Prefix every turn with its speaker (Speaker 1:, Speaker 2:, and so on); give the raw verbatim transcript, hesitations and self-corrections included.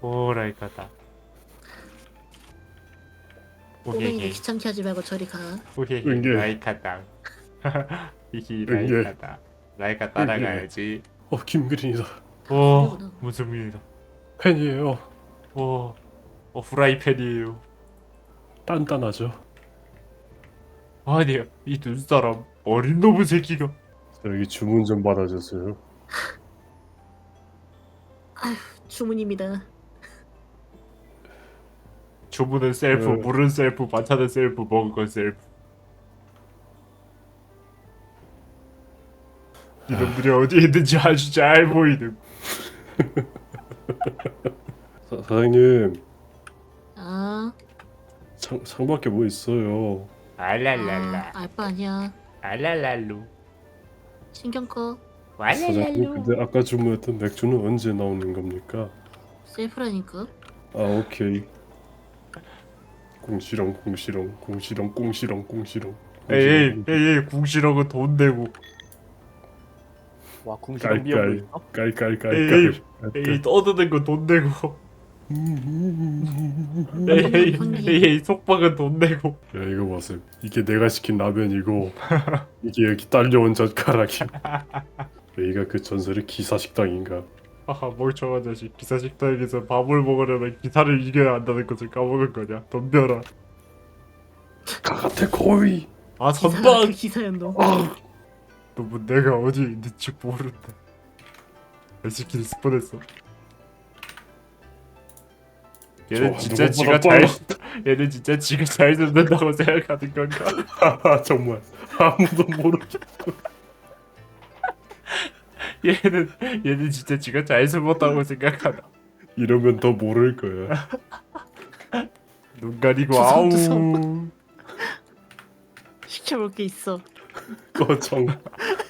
Speaker 1: 오라이카다.
Speaker 2: 꼬맹이들
Speaker 1: 오헤헤
Speaker 2: 귀찮게 하지 말고 저리 가.
Speaker 1: 오헤헤
Speaker 3: 응애.
Speaker 1: 라이카다. 히히
Speaker 3: 응애.
Speaker 1: 라이카다. 라이카 따라가야지.
Speaker 3: 어 김그린이다.
Speaker 1: 오
Speaker 2: 그리구나.
Speaker 1: 무슨 일이다.
Speaker 3: 팬이에요.
Speaker 1: 오, 어 프라이팬이에요.
Speaker 3: 단단하죠.
Speaker 1: 아니야 이 눈사람 어린 놈의 새끼가.
Speaker 3: 여기 주문 좀 받아줬어요.
Speaker 2: 주문입니다.
Speaker 1: 주문은 셀프,
Speaker 3: 네.
Speaker 1: 물은 셀프, 반찬은 셀프, 먹은 건 셀프. 이놈들이 어디에 있는지 아주 잘 보이는.
Speaker 3: 사, 사장님
Speaker 2: 아,
Speaker 3: 창 창밖에 뭐 있어요?
Speaker 1: 알랄랄라,
Speaker 2: 아, 알바 아니야.
Speaker 1: 알랄랄루,
Speaker 2: 신경 꺼.
Speaker 3: 사장님
Speaker 1: 왈랄랄루.
Speaker 3: 근데 아까 주문했던 맥주는 언제 나오는 겁니까?
Speaker 2: 셀프라니까.
Speaker 3: 아 오케이. 공시렁 공시렁 공시렁 공시렁 공시렁.
Speaker 1: 에이, 에이, 에이, 궁시렁은 돈 내고.
Speaker 4: 와 궁시렁 비염도
Speaker 3: 깔깔
Speaker 4: 있어?
Speaker 3: 깔깔깔깔.
Speaker 1: 에이, 떠드는 거 돈 내고. 에이, 에이, 에이, 에이, 속박은 돈 내고.
Speaker 3: 야 이거 보세요. 이게 내가 시킨 라면이고 이게 여기 딸려온 젓가락이. 여기가 그 전설의 기사 식당인가?
Speaker 1: 하하, 멀쩡한 자식. 기사 식당에서 밥을 먹으려면 기사를 이겨야 한다는 것을 까먹은 거냐? 덤벼라.
Speaker 3: 가가테 코이.
Speaker 1: 아,
Speaker 2: 기사,
Speaker 1: 선방!
Speaker 2: 그 기사였노.
Speaker 1: 너무 내가 어디 있는지 모른다. 에스키리 스폰했어. 얘는
Speaker 3: 좋아,
Speaker 1: 진짜
Speaker 3: 누구보다
Speaker 1: 지가 잘 얘는 진짜 지가 잘 듣는다고 생각하는 건가?
Speaker 3: 하하 정말 아무도 모르게.
Speaker 1: 얘는 얘는 진짜 지가 잘 숨었다고 생각하나?
Speaker 3: 이러면 더 모를 거야.
Speaker 1: 눈 가리고
Speaker 2: 두성,
Speaker 1: 아우.
Speaker 2: 두성. 시켜볼 게 있어.
Speaker 3: 꺼정.